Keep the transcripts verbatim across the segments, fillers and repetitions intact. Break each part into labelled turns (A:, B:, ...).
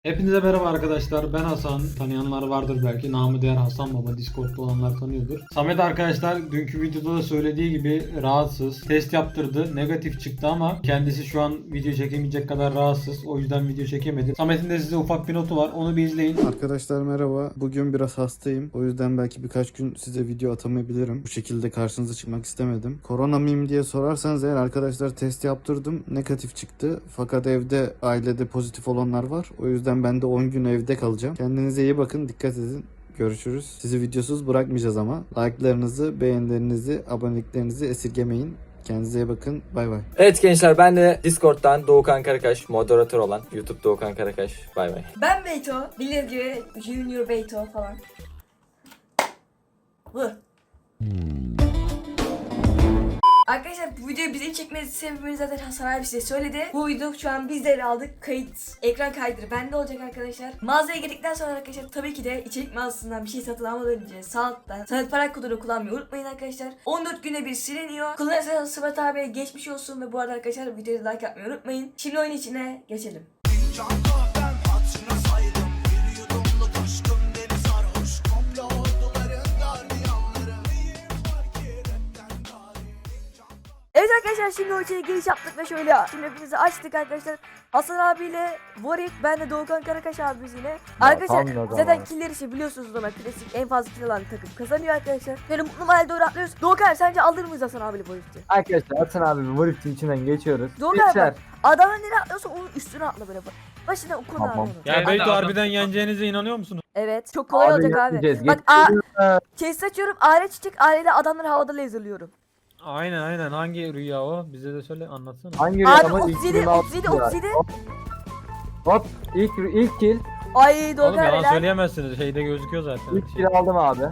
A: Hepinize merhaba arkadaşlar. Ben Hasan. Tanıyanlar vardır belki. Namı diğer Hasan Baba. Discord'da olanlar tanıyordur. Samet arkadaşlar dünkü videoda da söylediği gibi rahatsız. Test yaptırdı. Negatif çıktı ama kendisi şu an video çekemeyecek kadar rahatsız. O yüzden video çekemedi. Samet'in de size ufak bir notu var. Onu bir izleyin.
B: Arkadaşlar merhaba. Bugün biraz hastayım. O yüzden belki birkaç gün size video atamayabilirim. Bu şekilde karşınıza çıkmak istemedim. Korona mıyım diye sorarsanız eğer arkadaşlar test yaptırdım. Negatif çıktı. Fakat evde ailede pozitif olanlar var. O yüzden ben de on gün evde kalacağım. Kendinize iyi bakın. Dikkat edin. Görüşürüz. Sizi videosuz bırakmayacağız ama. Like'larınızı, beğenilerinizi, aboneliklerinizi esirgemeyin. Kendinize iyi bakın. Bay bay.
C: Evet gençler, ben de Discord'dan Doğukan Karakaş, moderatör olan YouTube Doğukan Karakaş. Bay bay.
D: Ben Beyto, bilir gibi Junior Beyto falan. Bu. Arkadaşlar bu videoyu bizim çekmesi sebebini zaten Hasan abi size söyledi. Bu video şu an biz de ele aldık. Kayıt, ekran kaydırı bende olacak arkadaşlar. Mağazaya girdikten sonra arkadaşlar tabii ki de içerik mağazasından bir şey satın almadan önce Saat'tan Saat para kodunu kullanmayı unutmayın arkadaşlar. on dört güne bir siliniyor. Kullanırsanız Sıvat abiye geçmiş olsun ve bu arada arkadaşlar videoyu like yapmayı unutmayın. Şimdi oyun içine geçelim. Evet arkadaşlar şimdi o içeri giriş yaptık ve şöyle şimdi hepimizi açtık arkadaşlar. Hasan abiyle Warwick, ben de Doğukan Karakaş abimiz yine. Arkadaşlar
C: tam da
D: zaten
C: var.
D: killer işi biliyorsunuz ama klasik en fazla kill alan takım kazanıyor arkadaşlar. Şöyle mutlu mahalle doğru atlıyoruz. Doğukan sence alır mıyız Hasan abiyle Warwick'i?
E: Arkadaşlar Hasan abi Warwick'in içinden geçiyoruz.
D: Doğukan
E: Geçer.
D: bak adamın nereye atlıyorsa onun üstüne atla böyle bak. Başına okuna
E: Tamam.
D: tamam.
A: Ya Beyto harbiden yeneceğinize inanıyor musunuz?
D: Evet çok kolay olacak abi.
E: yapacağız,
D: Bak a
E: geçiyoruz.
D: chest açıyorum, aile çiçek, aileyle adamları havada laserlıyorum.
A: Aynen aynen. Hangi rüya o? Bize de söyle anlatsana.
E: Hangi
D: Abi
E: rüyamı
D: otuz yedi, otuz yedi, otuz yedi.
E: Hop ilk ilk kill.
D: Ay
A: Oğlum
D: Doğukan
A: yalan
D: helal.
A: söyleyemezsiniz. Şeyde gözüküyor zaten.
E: İlk kill aldım abi.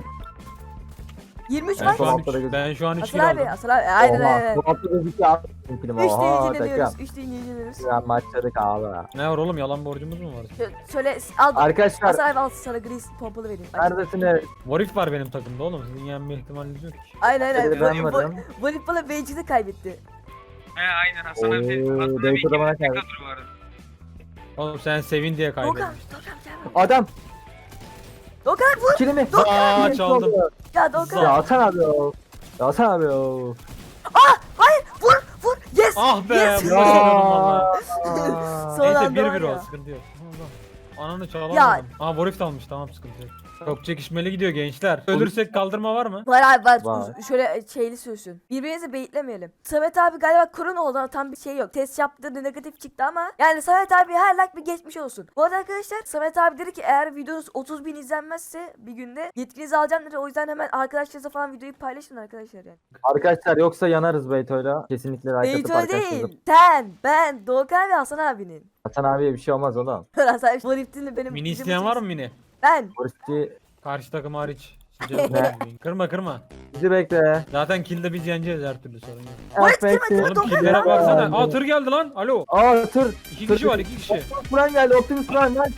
D: yirmi üç
A: Ben
D: maç.
A: şu an,
E: Altta da gözüküyor.
A: ben şu an üç
D: Hasan
A: kilo
D: abi,
A: aldım.
D: Hasan abi aynen
E: Oha.
D: aynen.
E: Bu hafta gözüküyor aldım kilimi.
D: üç
E: Oha
D: deyince
E: takım.
D: deniyoruz, üç deyince deniyoruz.
E: Ya maçladık abi.
A: Ne var oğlum, yalan borcumuz mu var?
D: Şö- Şöyle al bak.
E: Arkadaşlar
D: Hasan abi al sana gris pompalı vereyim. Ay,
E: neredesiniz?
A: Warwick var benim takımda oğlum. Sizin yenme ihtimaliniz yok ki.
D: Aynen aynen.
E: Ben
D: Bu-
E: varım.
D: bu- Volip bana Beyci'de kaybetti.
F: He aynen Hasan abi.
E: Oo,
F: Hasan abi
E: Beyto da bana
F: ikimiz de
E: kaybetti.
F: kadro vardı.
A: Oğlum sen sevin diye
D: Dokan,
A: kaybetmiştin.
D: Dokan gel.
E: Adam
D: Dokan vur.
E: kilimi.
A: Aa çaldım.
D: Ya
E: Ya
D: Dokan.
E: Hasan abi o. Ya Hasan abi o.
D: Hayır vur vur. Yes.
A: Ah be.
D: Yes.
A: Bu başaramadım valla.
D: Son
A: Neyse
D: anda
A: bir
D: var
A: bir
D: ya.
A: o, sıkıntı yok. Allah. Ananı çalamadım.
D: Ya.
A: Aa Warwick de almış, tamam, sıkıntı yok. Çok çekişmeli gidiyor gençler. Ölürsek kaldırma var mı?
D: Var abi var.
E: Var.
D: Uz- Şöyle şeyli sürsün. Birbirinizi beyitlemeyelim. Samet abi galiba korona oldu ama tam bir şey yok. Test yaptırdı, negatif çıktı ama yani Samet abi her like bir geçmiş olsun. Bu arada arkadaşlar Samet abi dedi ki eğer videonuz otuz bin izlenmezse bir günde yetkinizi alacağım dedi. O yüzden hemen arkadaşlarınızla falan videoyu paylaşın arkadaşlar yani.
E: Arkadaşlar yoksa yanarız Beyto'yla. Kesinlikle like atıp
D: Beyto
E: arkadaşlarınızla.
D: değil. Sen, ben, Doğukan ve Hasan abinin.
E: Hasan abiye bir şey olmaz oğlum.
D: Hasan abi Warwick'in benim.
E: şey
A: Mini isteyen var mı mini?
D: Ben.
E: Warwick'i
A: Karşı takım hariç.
E: Ne?
A: Kırma kırma.
E: bizi bekle.
A: Zaten kill'de biz yeneceğiz, her türlü sorun yok.
D: Warwick
E: Affet-
D: girmedi.
A: Oğlum
D: Dokun
A: kill'lere
D: lan.
A: baksana. Aa tır geldi lan. Alo.
E: Aa tır.
A: İki
E: Tır-
A: kişi var, iki kişi.
E: Optimus Prime geldi. Optimus Prime lan.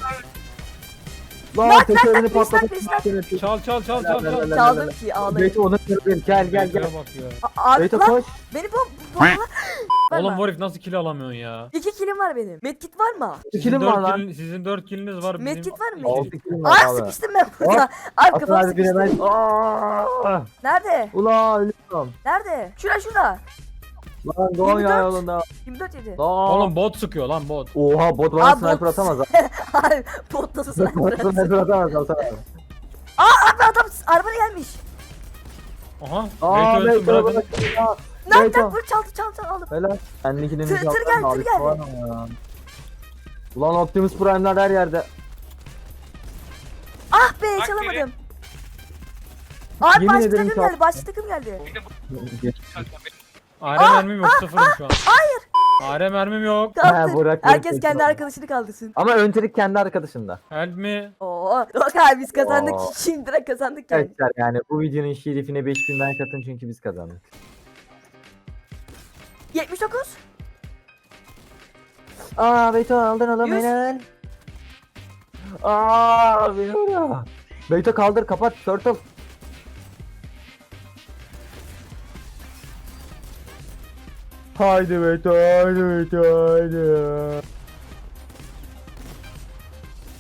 E: Lan
D: Bak,
E: tekerini
D: bak, bak,
E: patlatıp
D: bak, bak.
A: Çal çal çal çal çal.
D: Çaldım ki ağlayın.
E: Beyto onu kırdım. Gel gel gel.
A: Beyto'ya bak ya.
D: A- Abi
E: Beyto
D: lan
E: koş.
D: beni bu bomba.
A: Oğlum Warwick nasıl kill alamıyorsun ya?
D: İki kilim var benim. Medkit var mı?
A: Sizin
E: Kilim var
A: dört
E: lan.
A: kill, sizin dört killiniz var. Benim...
D: Medkit var mı?
E: Altı
D: Medkit.
E: kilim var
D: Aa
E: abi.
D: sıkıştım ben burada. Abi
E: Hasan
D: kafam
E: abi bir
D: sıkıştı.
E: hemen. Aaaa.
D: Nerede?
E: Ulan ölüyorum.
D: Nerede? Şura şurada.
E: Lan Doğan
D: yirmi dört.
E: ya yolunda.
D: yirmi dört yedi.
E: Lan.
A: Oğlum bot sıkıyor lan, bot.
E: Oha bot bana
D: Aa,
E: sniper
D: bot.
E: atamaz ha.
D: Hayır bot nasıl sniper
E: Bot
D: atıyor?
E: sniper atamaz Hasan abi.
D: Abi adam arabaya gelmiş.
A: Aha.
E: Aa
A: Beyto ölsün,
E: Beyto
A: bırakın.
E: bırak.
D: Nereden
E: Beyto.
D: vur çaldı çaldı çaldı aldım.
E: Helal. Benlikinin
D: Tır- tır geldi, tır geldi.
E: Ulan Optimus Prime'lar her yerde.
D: Ah be
F: Bak
D: çalamadım. Abi
E: Yemin
D: başka
E: ederim
D: takım
E: çal-
D: geldi başka takım geldi.
F: Bir de bu
E: Geç.
A: A R mermim yok, sıfırım şu an. Hayır. A R mermim yok.
D: Kaldır.
E: bırak,
D: Herkes
E: bırak,
D: kendi
E: bırak.
D: arkadaşını kaldırsın.
E: Ama öncelik kendi arkadaşında.
A: Help me.
D: Oo. Bak abi biz kazandık.
E: Oo.
D: Şimdi direkt kazandık yani.
E: Arkadaşlar yani bu videonun şerifine beş bin like atın çünkü biz kazandık.
D: yetmiş dokuz.
E: Aa Beyto aldın oğlum
D: Yüz.
E: helal. Aa beni vuruyor. Beyto kaldır kapat turtle. Haydi Beyto haydi Beyto haydi.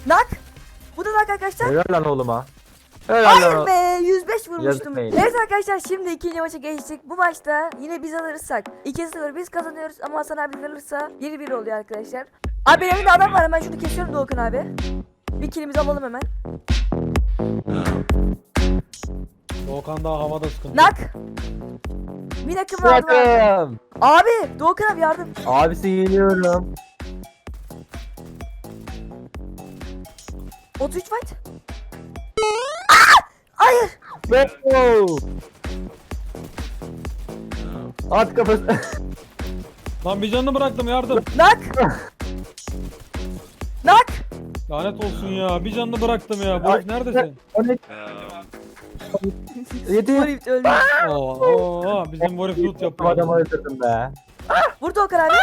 D: Nak. Bu da nak arkadaşlar.
C: Helal lan oğluma. Helal
D: Hayır
C: lan.
D: be yüz beş
C: Yazık
D: vurmuştum.
C: be.
D: Evet arkadaşlar şimdi ikinci maça geçtik. Bu maçta yine biz alırsak iki sıfır biz kazanıyoruz ama Hasan abi alırsa bir bir oluyor arkadaşlar. Abi benim elimde adam var, hemen şunu kesiyorum Doğukan abi. Bir kilimizi alalım hemen.
A: Doğukan daha havada sıkıntı.
D: Nak. Bir nakım vardı. abi.
C: Bırakın.
D: Abi Doğukan abi yardım.
C: Abisi geliyorum.
D: otuz üç fight. Aa! Hayır.
C: Go. At kafası.
A: Lan bir canını bıraktım, yardım.
D: Nak. Nak.
A: Lanet olsun ya, bir canını bıraktım ya.
C: Ay.
A: Boris neredesin?
C: O ne? Yedi.
D: Warif öldü.
A: Oo, oo, bizim Boris loot yapıyor.
C: Adamı öldürdüm be.
D: Vur Doğukan abi.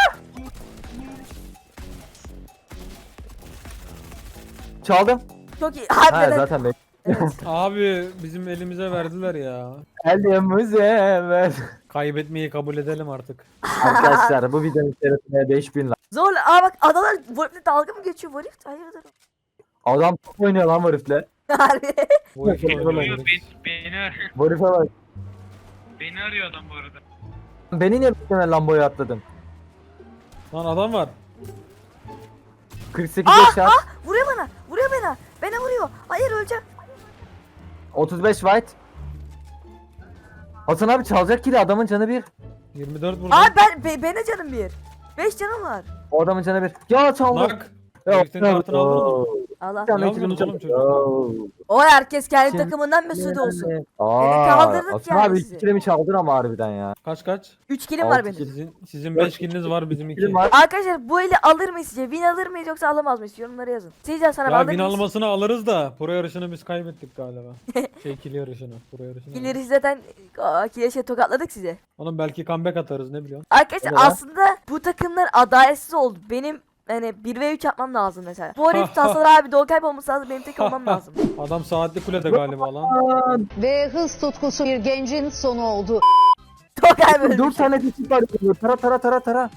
C: Çaldım.
D: Çok iyi.
C: Ha
D: Harbiden.
C: zaten be.
D: Evet.
A: Abi bizim elimize verdiler ya.
C: Elimize ver.
A: Kaybetmeyi kabul edelim artık.
C: Arkadaşlar bu videonun içerisinde beş bin like.
D: Zorla. Aa bak adalar Warif'le dalga mı geçiyor Warif? Hayırdır?
C: Adam top oynuyor lan bu herifle.
D: Harbi.
A: Boris
C: Yok,
A: öyle
C: yok,
F: Yo,
A: Boris.
F: beni, beni, arıyor.
C: Bu herife bak.
F: Beni arıyor adam bu arada.
C: Beni niye bekleme Lambo'ya atladın?
A: Lan adam var.
C: kırk sekiz
D: Ah,
C: yaşar.
D: Vuruyor bana. Vuruyor bana. Bana vuruyor. Hayır öleceğim.
C: otuz beş white. Hasan abi çalacak ki de adamın canı bir.
A: yirmi dört vurdu.
D: Abi ben be, bana canım bir. beş canım var.
C: O adamın canı bir. Ya çaldı.
A: Nak. Herifin kartını aldın mı?
D: Allah.
C: Bir tane
A: Ne
C: kilim
A: yapıyorsunuz
C: çaldı.
A: oğlum
D: O herkes kendi
C: Şimdi-
D: takımından mesut olsun.
C: Aa,
D: kaldırdık
C: Hasan
D: yani
C: abi
D: sizi.
C: iki kilimi çaldın ama harbiden ya.
A: Kaç kaç?
D: üç kilim var
C: Altı
D: benim.
C: kill.
A: Sizin sizin
C: Dört
A: beş kiliniz var, bizim iki.
C: Kilim var.
D: Arkadaşlar bu eli alır mıyız sizce? Win alır mıyız yoksa alamaz mıyız? Yorumlara yazın. Sizce sana
A: Ya
D: alır
A: bin
D: mıyız?
A: almasını alırız da pro yarışını biz kaybettik galiba. şey kill yarışını, pro yarışını.
D: Killeri zaten aa, kileşe tokatladık size.
A: Oğlum belki comeback atarız, ne biliyorsun?
D: Arkadaşlar
C: O ne lan?
D: aslında bu takımlar adaletsiz oldu. Benim hani bir ve üç yapmam lazım mesela. Bu herif Hasan abi Doğukay olması lazım. Benim tek olmam lazım.
A: Adam saatli kulede galiba lan.
G: Ve hız tutkusu bir gencin sonu oldu.
D: Doğukay böyle.
C: Dört tane dişim var. Tara tara tara tara.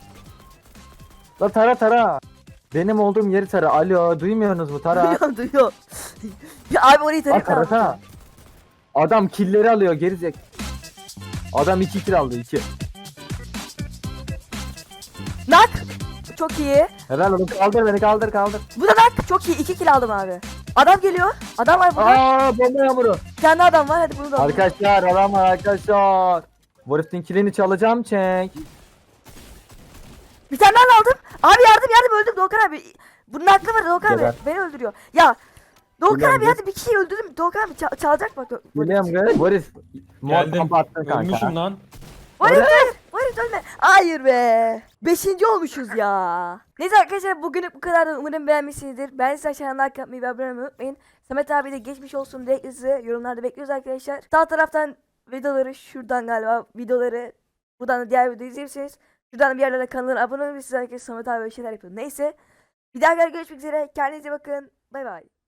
C: La tara tara. Benim olduğum yeri tara. Alo duymuyorsunuz mu tara?
D: Duyuyor duyuyor. Ya abi orayı
C: Bak
D: tarif
C: tara tara. Adam killleri alıyor gerizek. Adam iki kill aldı iki.
D: Nak. Çok iyi.
C: Helal oğlum kaldır beni kaldır kaldır.
D: Bu da nak. Çok iyi. iki kill aldım abi. Adam geliyor. Adam var burada.
C: Aa bomba yağmuru.
D: Bir tane adam var. Hadi bunu da alalım.
C: Arkadaşlar adam var arkadaşlar. Warif'in killini çalacağım çek.
D: Bir tane daha aldım. Abi yardım yardım öldüm Doğukan abi. Bunun aklı var Doğukan abi.
C: Geber.
D: Beni öldürüyor. Ya Doğukan
C: Biliyorum,
D: abi
C: gel.
D: hadi bir kişiyi öldürdüm. Doğukan abi ça- çalacak bak.
C: Geliyorum kız. Warif.
A: Geldim.
C: Muhakkak attın kanka.
A: Ölmüşüm lan.
D: Hayır hayır. Hayır ölme. Hayır be. Beşinci olmuşuz ya. Neyse arkadaşlar bugünlük bu kadar. Umarım beğenmişsinizdir. Ben size aşağıdan like yapmayı ve abone olmayı unutmayın. Samet abi de geçmiş olsun diye sizi yorumlarda bekliyoruz arkadaşlar. Sağ taraftan videoları şuradan galiba videoları buradan da diğer videoyu izleyebilirsiniz. Şuradan da bir yerlerde kanalına abone olabilirsiniz arkadaşlar. Samet abi böyle şeyler yapıyor. Neyse. Bir daha görüşmek üzere. Kendinize iyi bakın. Bay bay.